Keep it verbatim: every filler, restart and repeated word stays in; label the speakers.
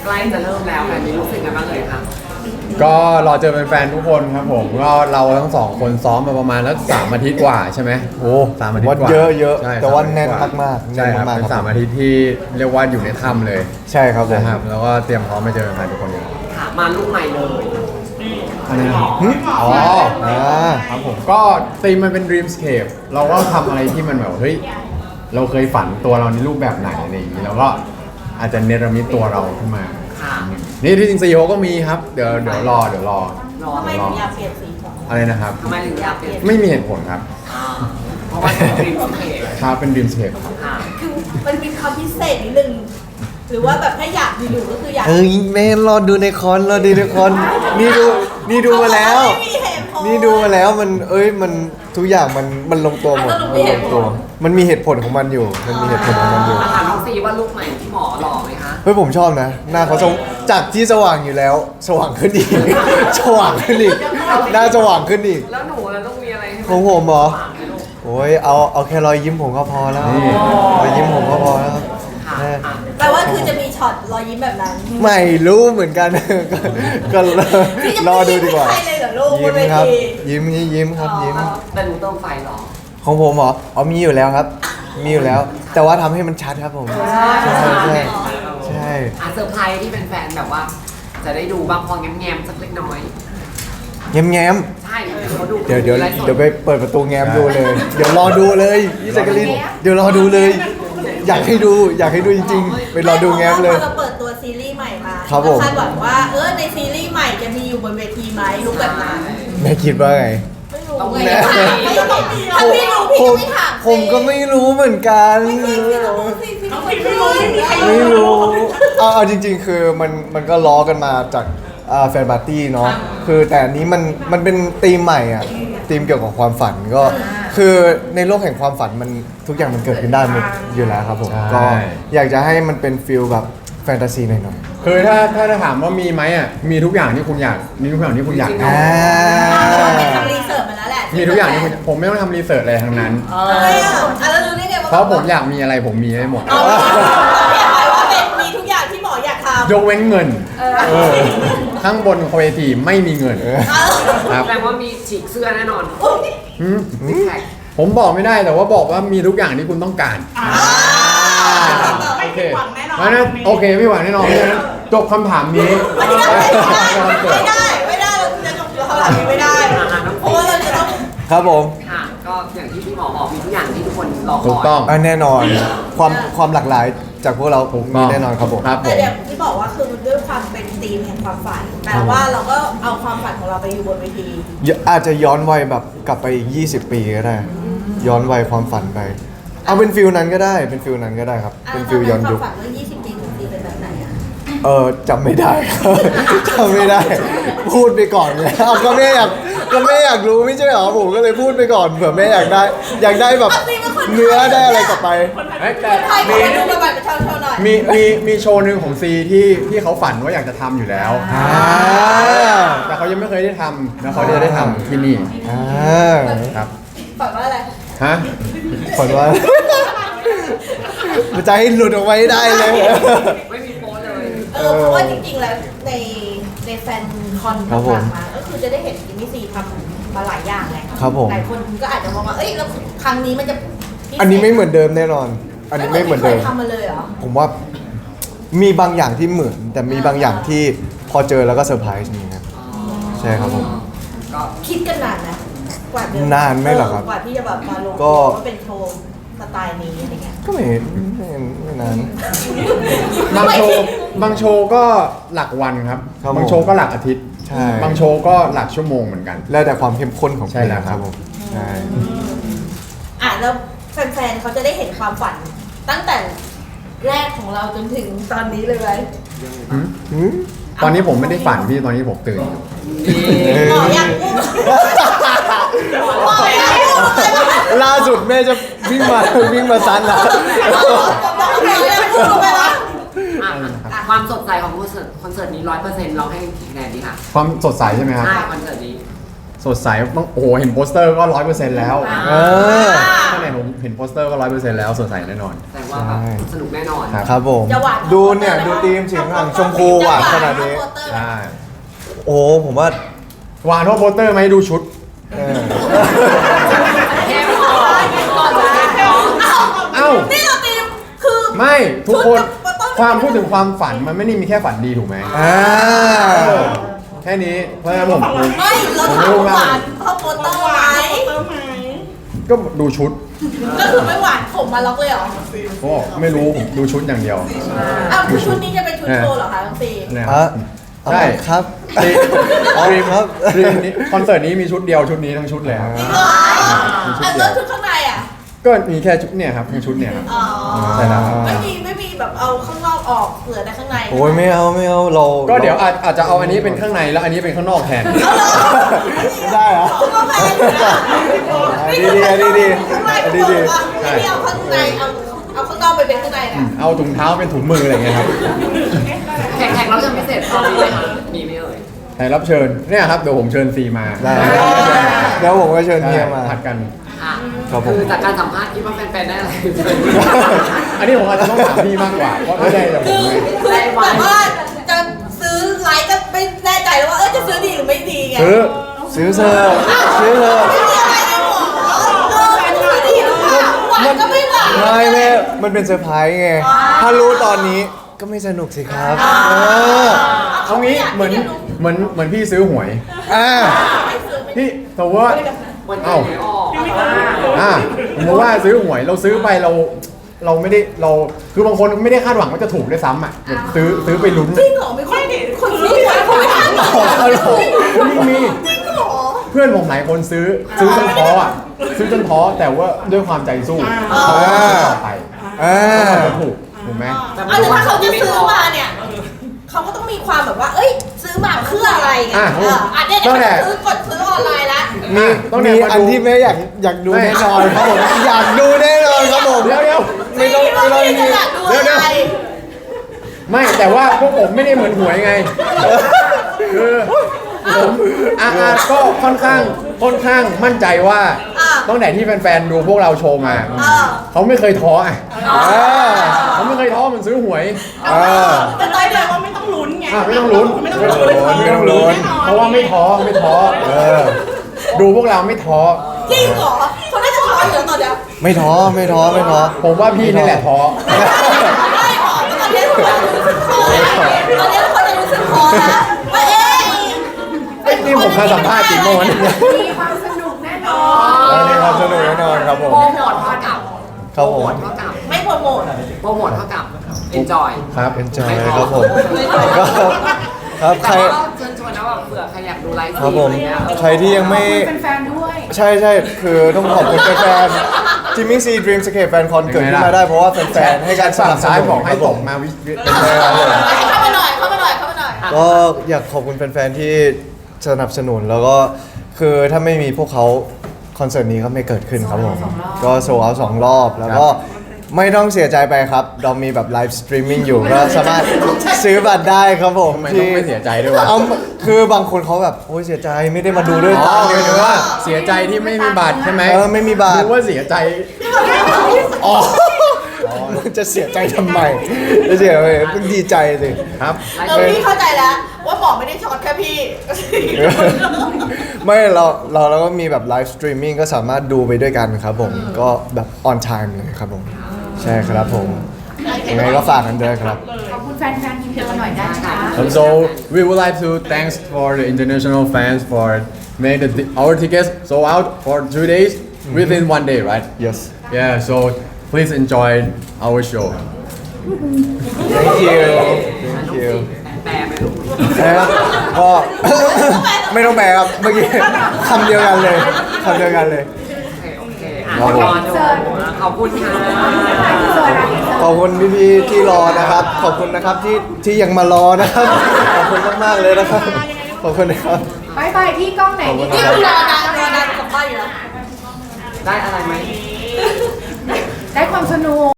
Speaker 1: ล้จะเริ่มแล้วแบบนี้รู้สึกกันบ้างเลยคะ
Speaker 2: ก็รอเจอแฟนๆทุกคนครับผมก็เราทั้งสองคนซ้อมมาประมาณแล้วสามอาทิตย์กว่าใช่ไหมโอ้สามอาทิตย์กว่า
Speaker 3: เยอะเยอะ
Speaker 2: ใช่
Speaker 3: แต่ว่าแน่น
Speaker 2: สม
Speaker 3: มากๆ
Speaker 2: ใช่ครับ
Speaker 3: แน่นมากๆ
Speaker 2: เป็น
Speaker 3: ครับ
Speaker 2: สามอาทิตย์ที่เรียกว่าอยู่ในถ้ำเลย
Speaker 3: ใช่ครับผม
Speaker 2: นะครับแล้วก็เตรียมพร้อมมาเจอแฟนๆทุกคนอยู่
Speaker 1: ค่ะมาลูกใหม่เลย
Speaker 2: อะไรนะครับ
Speaker 3: หึ
Speaker 2: อ๋อ
Speaker 3: อ่า
Speaker 2: ครับผมก็ธีมมันเป็น Dreamscape เราก็ทำอะไรที่มันแบบเฮ้ยเราเคยฝันตัวเราในรูปแบบไหนอะไรอย่างนี้แล้วก็อาจจะเนรมิตตัวเราขึ้นมา
Speaker 1: ค่ะ
Speaker 2: นี่ที่จริงซีโอก็มีครับเดี๋ยวเดี๋ยวรอเดี๋ยวรอ
Speaker 1: รอ
Speaker 4: ทำไม
Speaker 1: รอ
Speaker 4: ถึงอยากเปลี่ยนสีผม
Speaker 2: อะไรนะครับ
Speaker 1: ทำไมถึงอยากเปลี่ยน
Speaker 2: ไม่มีเหตุผลครับ
Speaker 1: อ่าเพราะว่าเป็นดรีมสเคป
Speaker 2: ครับเป็น Dreamscape ครับ
Speaker 1: ค่ะ
Speaker 4: คือมันมีความพิเศษนิดนึงหรือว่าแบบถ้าอยากอยู่ๆก็คืออยาก
Speaker 3: เอ้ยแม่รอดูในคอนรอดูในคอนนี่ดูนี่ดูมาแล้ว
Speaker 4: ไม่มีเหตุผล
Speaker 3: นี่ดูมาแล้วมันเอ้ยมันทุกอย่างมันมันลงตัวหมด
Speaker 4: อ่ะสรุป
Speaker 3: มัน
Speaker 4: มีเห
Speaker 3: ล
Speaker 4: ตุ
Speaker 3: ง
Speaker 4: ผล
Speaker 3: ตัว มันมีเหตุผลของมันอยู่ มันมีเหตุผลของมันอยู่
Speaker 1: มาถามน้องซีว่าลูกใหม่ที่หมอหล่อไหมคะ
Speaker 3: เฮ้ยผมชอบนะ หน้าเขาสวจากที่สว่างอยู่แล้ว สว่างขึ้นอีก สว่างขึ้นอีกหน้าสว่างขึ้นอีก
Speaker 1: แล้วหนูเราต้องมีอะไรให้น
Speaker 3: ของผมเหรอ
Speaker 1: ฝากไหมลูก
Speaker 3: โอ้ยเอาเอาแค่รอยยิ้มผมก็พอแล้ว
Speaker 2: นี่
Speaker 3: รอยยิ้มผมก็พอแล้วครับ
Speaker 1: ค่ะ
Speaker 3: แม่
Speaker 1: อ่ะ
Speaker 4: แปลว่าคือจะมีช็อตรอยยิ้มแบบนั้น
Speaker 3: ไม่รู้เหมือนกัน ก็ก็รอดูดีกว่า
Speaker 4: พี่จะไม่ยิ้มให้ใครเลยเหรอลูกบ
Speaker 3: ยิ้
Speaker 4: น
Speaker 3: ม
Speaker 4: เว
Speaker 3: ครับ
Speaker 4: ที
Speaker 3: ยิ้มยิ้มครับยิ้ม
Speaker 4: อ๋อ
Speaker 1: แต่หนูเติมไฟเหรอ
Speaker 3: ของผมเหรออ๋อมีอยู่แล้วครับ มีอยู่แล้ว แต่ว่าทำให้มันชัดครับผม ใช่ใช่ใช่
Speaker 1: อ่ะเซอร์ไพรส์ที่เป็นแฟนแบบว่า จะได้ดูบางพอแง้มๆสักเล็กน้อย
Speaker 3: แง้มแง้ม
Speaker 1: ใช่เขาดู
Speaker 3: เดี๋ยวเดี๋ยว
Speaker 1: ไลฟ์ส
Speaker 3: เดี๋ยวไปเปิดประตูแง้มดูเลย เดี๋ยวรอดูเลยพี่แจักรินเดี๋ยวรอดูเลย อยากให้ดูอยากให้ดูจริงๆ ไปรอดูแง้มเลย
Speaker 4: พอเราเปิดตัวซีรีส์ใหม่มา
Speaker 3: ครับผม
Speaker 4: คาดหวังว่าเออในซีรีส์ใหม่จะมีอยู่บนเวทีไหมลุกแบบนั้น
Speaker 3: แม่คิดว่าไง
Speaker 4: ไม่รู้
Speaker 1: ต้อง
Speaker 4: ไง
Speaker 1: มี
Speaker 4: ถามไม่ต้องมีถ้าพี่รู้พี่
Speaker 3: ผ
Speaker 4: ก็
Speaker 3: ม
Speaker 4: ไม่ถาม
Speaker 3: ผมก็ไม่รู้เหมือนกัน
Speaker 4: ไม่มีพี่รู้สิพี่ไม่รู้ไม่มีใคร
Speaker 3: ไม่รู้เอาเอาจริง ๆ คือมันมันก็ล้อกันมาจากอ่าแฟนปาร์ตี้เนาะคือแต่อันนี้มันมันเป็นธีมใหม่อ่ะธีมเกี่ยวกับความฝันก็คือในโลกแห่งความฝันมันทุกอย่างมันเกิดขึ้นได้หมดอยู่แล้วครับผม
Speaker 2: ใช่
Speaker 3: ก็อยากจะให้มันเป็นฟิลแบบแฟนตาซีหน่อย
Speaker 2: คือถ้าถ้าจะถามว่ามีไหมอ่ะมีทุกอย่างที่คุณอยากมีทุกอย่างที่คุณอยาก
Speaker 3: ๆ
Speaker 2: ท
Speaker 3: อ่า
Speaker 4: เราไปทำรีเสิร์ชมาแล้วแหละ
Speaker 2: ำมีทุกอย่างที่คุณผมไม่ต้องทำรีเสิร์ชอะไรทั้งนั้น
Speaker 4: เอออ่ะแล้วรู้ได้ไงว่า
Speaker 2: เพราะผมอยากมีอะไรผมมีได้หมด
Speaker 4: เอาเราเรียกไปว่าเป็นมีทุกอย่างที่หมออยากทำ
Speaker 2: ยกเว้นเงินเออข้างบนเวทีไม่มีเงิน
Speaker 4: เออ
Speaker 2: ครับ
Speaker 1: แสดงว่ามีฉีกเสื้อแน่นอน
Speaker 2: หืม
Speaker 1: ซิกแพค
Speaker 2: ผมบอกไม่ได้แต่ว่าบอกว่ามีทุกอย่างที่คุณต้องการโอเคเพราะฉะนั้นโอเคไม่หวังแน่นอนเพราะฉะนั้นจบคำถามนี้
Speaker 4: ไม่ได้ไม่ได้ไม่ได้เราจะจบเท่าไหร่ไม่ได้เพราะว่าเราจะต้อง
Speaker 3: ครับผม
Speaker 1: ค่ะ ก็อย่างที่พี่หมอบอกมีทุกอย่างที่ทุกคนรอคอย
Speaker 2: ถูกต้อง
Speaker 3: อ่ะแน่นอนความความหลากหลายจากพวกเรา
Speaker 2: ถูกต้
Speaker 3: มี
Speaker 2: อง
Speaker 3: แน่นอนครับผม
Speaker 2: ครับผ
Speaker 4: แต่
Speaker 2: ม
Speaker 4: เดี๋ยวที่บอกว่าคือด้วยความเป็นธีมแห่งความฝันแปลว่าเราก็เอาความฝันของเราไปอยู่บนเวที
Speaker 3: อาจจะย้อนวัยแบบกลับไปอีกยี่สิบปีก็ได้ ย้อนวัยความฝันไป เอาเป็นฟิลนั้นก็ได้ เป็นฟิลนั้นก็ได้ครับ เป็นฟิลย้อนยุค
Speaker 4: ความฝันเมื่อยี่สิบปีถึงปีเป็นแบบไหนอะ
Speaker 3: เออจำไม่ได้ ครับจำไม่ได้ พูดไปก่อนเลยเอาก็แม่อยากก็แม่อยากรู้ไม่ใช่เหรอผมก็เลยพูดไปก่อนเผื่อแม่อยากได้ อยากได้แบบเนื้อได้อะไรกลับไป
Speaker 2: เอ้ยแต่
Speaker 4: ใครขอ
Speaker 2: มี
Speaker 4: ดูประวัติประชาชนหน่อย
Speaker 2: มีมีมีโชว์หนึ่งของซีที่ที่เขาฝันว่าอยากจะทำอยู่แล้ว
Speaker 3: อ่า
Speaker 2: แต่เขายังไม่เคยได้ทำแล้วเขาจะได้ทำที่นี่
Speaker 3: อ่า
Speaker 2: ครับ
Speaker 4: ฝันว่าอะไร
Speaker 2: ฮะ
Speaker 3: ฝันว่า มันจะให้หลุดออกมาให้ได้เลย
Speaker 1: ไม่มีโป๊เลย
Speaker 4: เออเพราะว่าจริงๆแล้วในในแฟนคอน
Speaker 3: ครับผม
Speaker 4: ต่างๆมาก็คือจะได้เห็นจิมมี่ซีทำมาหลายอย่างไง
Speaker 3: ครับผม
Speaker 4: หลายคนก็อาจจะมองว่าเอ้ยแล้วครั้งนี้มันจะพิเศษ
Speaker 3: อันนี้ไม่เหมือนเดิมแน่นอน อันนี้ไม่เหมือนเดิม
Speaker 4: ไคยทำมาเลยเหรอ
Speaker 3: ผมว่ามีบางอย่างที่เหมือน แต่มีบางอย่างที่พอเจอแล้วก็เซอร์ไพรส์นี่ครับ ใช่ครับผม
Speaker 1: ก็
Speaker 4: คิดกันนานนะกว่าเดิม
Speaker 3: นานไหมเหรอครับ
Speaker 4: กว่าที่จะแบบมาลง
Speaker 3: ก็
Speaker 4: ว่าเป็นโชว์สไตล์นี้อะไรเงี้ย
Speaker 3: ก็ไม่ไม่ไม่นาน
Speaker 2: บางโชว์บางโชว์ก็หลักวันครับ
Speaker 3: ครับผม
Speaker 2: บางโชว์ก็หลักอาทิตย์
Speaker 3: ใช่
Speaker 2: บางโชว์ก็หลักชั่วโมงเหมือนกัน
Speaker 3: แล้วแต่ความเข้มข้นของ
Speaker 2: ใช่แล้วครับ
Speaker 3: เพลงผมใช่
Speaker 4: อ่ะแล้วแฟนๆเขาจะได้เห็นความฝัน ตั้งแต่แรกของเราจนถึงตอนนี้เลยไหม
Speaker 3: หืม
Speaker 2: ตอนนี้ผมไม่ได้ฝันพี่ตอนนี้ผมตื่นอยู่
Speaker 4: หมออยากพูดหมออยากพูดเลยว่า
Speaker 3: ล่าสุดแม่จะวิ่งมา วิ่งมาซันแล้ว
Speaker 4: หมออยากพูดไปวะ
Speaker 1: อ่ะอ่ะความสดใสของคอนเสิร์ตคอนเสิร์ตนี้ร้อยเปอร์เซ็นต์เราให้กี่คะแนนดีค่ะ
Speaker 2: ความสดใสใช่ไหมครับ
Speaker 1: ใช่คอนเสิร์ตนี้
Speaker 2: สดใสต้องโอ้โหเห็นโปสเตอร์ก็ร้อยเปอร์เซ็นต์แล้ว
Speaker 3: เออ
Speaker 2: ถ้าไหนผมเห็นโปสเตอร์ก็ร้อยเปอร์เซ็นต์แล้วสดใสแน่นอน
Speaker 1: แต่ว่าแบบสนุกแน่นอน
Speaker 2: ครับ
Speaker 3: ครับผม
Speaker 4: จะหวาน
Speaker 3: ดูเนี่ยดูทีมเสียงหลังชมพูหวานขนาดนี้
Speaker 2: ใช่
Speaker 3: โอ้ผมว่า
Speaker 2: หวานเพราะโปสเตอร์ไหมดูชุด
Speaker 3: เออ
Speaker 1: แค่พอก่อนจะแค่พอ
Speaker 2: เอ้า
Speaker 4: นี่เราตีมคือ
Speaker 2: ไม่ทุกคน
Speaker 4: ชุดกับโปสเตอร์
Speaker 2: ความพูดถึงความฝันมันไม่ได้มีแค่ฝันดีถูกไหม
Speaker 3: อ่า
Speaker 2: เออแค่นี้เพราะฉะนั้นผมผม
Speaker 4: ไม่เรา
Speaker 2: ผม
Speaker 4: ถาม
Speaker 2: รู้
Speaker 4: ห
Speaker 2: มาก
Speaker 4: วานเพราะโปสเตอร์ไหม
Speaker 2: ก็ดูชุด
Speaker 4: ก็คือไม่หวานผมมาล็อกเลยเหรอ
Speaker 2: ก็ไม่รู้ผมดูชุดอย่างเดียว
Speaker 4: อ้าวคือชุดนี้จะเป็นชุดโชว์เหรอคะทั้งสี่
Speaker 2: เนี่ย
Speaker 3: อ่ะ
Speaker 2: ใช่
Speaker 3: ครับ
Speaker 2: ที
Speaker 3: อ๋อ
Speaker 2: ทีม
Speaker 3: ครับ
Speaker 2: ทีมนี้คอนเสิร์ตนี้มีชุดเดียวชุดนี้ทั้งชุดเลยครับ
Speaker 4: จริงเหรออ่ะแล้วชุดข้างในอ่ะ
Speaker 2: ก็มีแค่ชุดเนี่ยครับทั้งชุดเนี่ยครับ
Speaker 4: อ๋อ
Speaker 2: ใช่แล้วครับ
Speaker 4: ไม่มีไม่มีแบบเอาข้างนอกออกเหลือแต่ข้างใน
Speaker 3: โอ้ยไม่เอาไม่เอาเรา
Speaker 2: ก็เดี๋ยวอาจอาจจะเอาอันนี้เป็นข้างในแล้วอันนี้เป็นข้างนอกแทน
Speaker 3: ไม่ได้เหรอ
Speaker 4: คุณก็แพงอยู่นะ
Speaker 3: ดีดีดีดี
Speaker 4: ข้างใน
Speaker 3: ดีดี
Speaker 4: ไม่ได้เอาข้างในเอาเอาข้างนอกไปเป็นข้างในนะ
Speaker 2: เอาถุงเท้าเป็นถุงมืออะไรอย่างเงี้ยครับ
Speaker 1: แขกแขกรับเชิญพิเศษตอนนี้ไหมคะมีไหมเอ่ย
Speaker 2: แขกรับเชิญเนี่ยครับเดี๋ยวผมเชิญซีมา
Speaker 3: ได้เดี๋ยวผมก็เชิญเฮียมา
Speaker 2: ผัดกัน
Speaker 1: อ่ะ
Speaker 3: ครับผม
Speaker 1: คือจากการสัมภาษณ์คิดว่าแฟนๆได้อะไร
Speaker 2: อันนี้ผมอาจจะต้องถามพี่มากกว่าเพราะไม่ได้จากผ
Speaker 4: คื
Speaker 2: ม
Speaker 4: อ
Speaker 2: เลย
Speaker 4: คือแบบว่าจะซื้อไลค์ก็ไม่แน่ใจแล้วว่าเออจะซื้อดีหรือไม่ดีไง
Speaker 2: ซื้อ
Speaker 3: ซื้อเธอซื้อเธอ
Speaker 4: ไม่มีอะไรในหัวเออจะซื้อดีหรือเปล่าหวานก็ไม่หวาน
Speaker 3: ไม่แม่มันเป็นเซอร์ไพรส์ไง ถ้ารู้ตอนนี้ก็ไม่สนุกสิครับเออ
Speaker 2: เอางี้เหมือนเหมือนเหมือนพี่ซื้อหวย
Speaker 3: อ่า
Speaker 2: พี่แต่ว่า
Speaker 1: วันนี้
Speaker 2: เอ้า
Speaker 1: ไม่ออก
Speaker 2: อ่าผมบอกว่าซื้อหวยเราซื้อไปเราเราไม่ได้เราคือบางคนไม่ได้คาดหวังว่าจะถูกด้วยซ้ำอ่ะแบบซื้อซื้อไปลุ้น
Speaker 4: จริงเหรอไม่ค่อยเห็นคนซื้อหวยคนไม่ทันหรอ
Speaker 2: เอาเหรอมีมี
Speaker 4: จริงเหรอ
Speaker 2: เพื่อนผมหลายคนซื้อซื้อจนท้ออ่ะซื้อจนท้อแต่ว่าด้วยความใจสู้เขาก็ซื้อต่อไป
Speaker 3: อ่า
Speaker 2: เขาจะถูกถูกไหม
Speaker 1: แต่
Speaker 4: เอาแต่ถ้าเขาจะซื้อมาเนี่ยเขาก็ต้องมีความแบบว่า เอ้ย ซื้อมาเพื่ออะไรไง
Speaker 2: อ่ะ
Speaker 4: เอออ่ะเนี่ย
Speaker 2: ตั้งแต่
Speaker 4: ซื้อกดซื้อออนไลน์ละ
Speaker 3: มี
Speaker 2: ต้อง
Speaker 3: มี
Speaker 2: เนี่ยมาดู
Speaker 3: อันที่แม่อยากอยากดู
Speaker 2: ไม่
Speaker 3: แน่นอนครับผมอยากดูแน่นอนครับผม
Speaker 2: เดี๋ยวเดี๋ยว
Speaker 3: ไม่ต้องไม่ต้อง
Speaker 4: ไม่
Speaker 3: มี
Speaker 4: อยากดู
Speaker 2: เดี๋ยว
Speaker 4: อะไร
Speaker 2: ไม่แต่ว่าพวกผมไม่ได้เหมือนหวยไงคือผมอาอาก็ค่อนข้างค่อนข้างมั่นใจว่า
Speaker 4: อ่ะ
Speaker 2: ตั้งแต่ที่แฟนๆดูพวกเราโชว์มา
Speaker 4: อ่ะ
Speaker 2: เขาไม่เคยท้ออ่ะ
Speaker 3: อ่า
Speaker 2: เขาไม่เคยท้อมันซื้อหวย
Speaker 3: อ่า
Speaker 4: แต่ตอนเดียว
Speaker 5: ว่าไม่ต้องลุ้นไง
Speaker 2: อ่ะไม่ต้องลุ้น
Speaker 5: ไม่ต้องลุ้น
Speaker 3: ไม่ต้องลุ้น
Speaker 2: เพราะว่าไม่ท้อไม่ท้อเออดูพวกเราไม่ท้อ
Speaker 4: จริงเหรอเขาน่าจะท้ออยู่แล้วตอนเนี้ย
Speaker 3: ไม่ท้อไม่ท้อไม่ท้อ
Speaker 2: ผมว่าพี่นี่แหละท้อ
Speaker 4: ไม่หรอกตอนนี้ทุกคนรู้สึกท้อแล้วตอนนี้ทุกคนจะรู้สึกท้อแล้วว่าเอ๊ะ
Speaker 2: ไอ้นี่ผมเคยสัมภาษณ์จริงเมื่อวานนี้
Speaker 1: มีความสนุกแน่นอน
Speaker 3: วันนี้ความสนุกแน่นอนครับผม
Speaker 1: โปรโมทเท่ากับ
Speaker 3: ครับผม
Speaker 1: โปรโมทเท่ากับ
Speaker 4: ไม่โปรโมท
Speaker 1: โปรโมทเท่ากับ enjoy
Speaker 3: ครับ enjoy
Speaker 1: ไม่ท้อ
Speaker 3: ครับผม
Speaker 1: ไม่ท้อ
Speaker 3: ก็ครับใคร
Speaker 1: แต่ว่าเชิญชวนนะว่าเผื่อใครอยากดูไลฟ์
Speaker 3: ครับผม
Speaker 1: อะไรเงี้ย
Speaker 3: ใครที่ยังไม่
Speaker 5: เป็นแฟนด้วย
Speaker 3: ใช่ใช่คือต้องขอบคุณแฟนๆจิมมี่ซีดรีมสเคปแฟนคอนเกิดขึ้นมาได้เพราะว่าแฟนๆให้การส
Speaker 2: ฝั่
Speaker 3: นั
Speaker 2: ง
Speaker 3: บส
Speaker 2: ซ้าย
Speaker 3: นุน
Speaker 2: บอกให้
Speaker 3: ครับ
Speaker 2: ต
Speaker 3: ผ
Speaker 2: ก
Speaker 3: ม
Speaker 2: มาวิวิ
Speaker 4: เข้ามาหน่อยเข้ามาหน่อยเข้ามาหน่อย
Speaker 3: ก็อยากขอบคุณแฟนๆที่สนับสนุนแล้วก็คือถ้าไม่มีพวกเขาคอนเสิร์ตนี้ก็ไม่เกิดขึ้นครับผมก็โซเอาสองรอบแล้วก็ไม่ต้องเสียใจไปครับ เรามีแบบไลฟ์สตรีมมิ่งอยู่ก็สามารถซื้อบัตรได้ครับผม
Speaker 2: ทำไมต้องไม่เสียใจด้วยวะ
Speaker 3: เอาคือบางคนเขาแบบโอ้ยเสียใจไม่ได้มาดูด้วย
Speaker 2: อ๋
Speaker 3: ตา
Speaker 2: อห
Speaker 3: เนื้
Speaker 2: มายถึง
Speaker 3: อ
Speaker 2: ว่าเสียใจที่ไม่มีบัตรใช่ไหม
Speaker 3: เออไม่มีบัตร
Speaker 2: นึกว่าเสียใจ
Speaker 3: อ๋อมันจะเสียใจทำไมจะเสียใจต้องดีใจสิ
Speaker 2: ครับ
Speaker 4: เออพี่เข้าใจแล้วว่าหมอไม่ได้ช็อตแค่พี่
Speaker 3: ไม่เราเราเราก็มีแบบไลฟ์สตรีมมิ่งก็สามารถดูไปด้วยกันครับผมก็แบบออนไทม์เลยครับผมใช่ครับผมยังไงก็ฝากกันด้วยครับ
Speaker 5: ขอบคุณแฟนๆทีมเดียวหน่อยได้ไหมคะ
Speaker 2: And so we would like to thanks for the international fans for make the our tickets sold out for two days within one day, right?
Speaker 3: yes
Speaker 2: Yeah. So please enjoy our show.
Speaker 3: thank you thank you
Speaker 1: แปลไหมลูก
Speaker 3: นะครับก็ ไม่ต้องแปลครับเมื่อกี้คำเดียวกันเลยคำเดียวกันเลย
Speaker 1: โอเคโอเคอ่ะ
Speaker 3: ครับผม
Speaker 1: รอดูขอบคุณค่ะ
Speaker 3: ขอบคุณพี่ๆที่รอนะครับ ขอบคุณนะครับที่ที่ยังมารอนะครับ ขอบคุณมากๆเลยนะครับ ขอบคุณนะครับ
Speaker 5: บายบายที่กล้องไหน
Speaker 3: ขอบคุ
Speaker 5: นี่
Speaker 3: ณ
Speaker 4: นี่รอนานรอนานกลับบ้านอยู่แล้ว
Speaker 1: ได้อะไรไหม
Speaker 5: ได้ความสนุก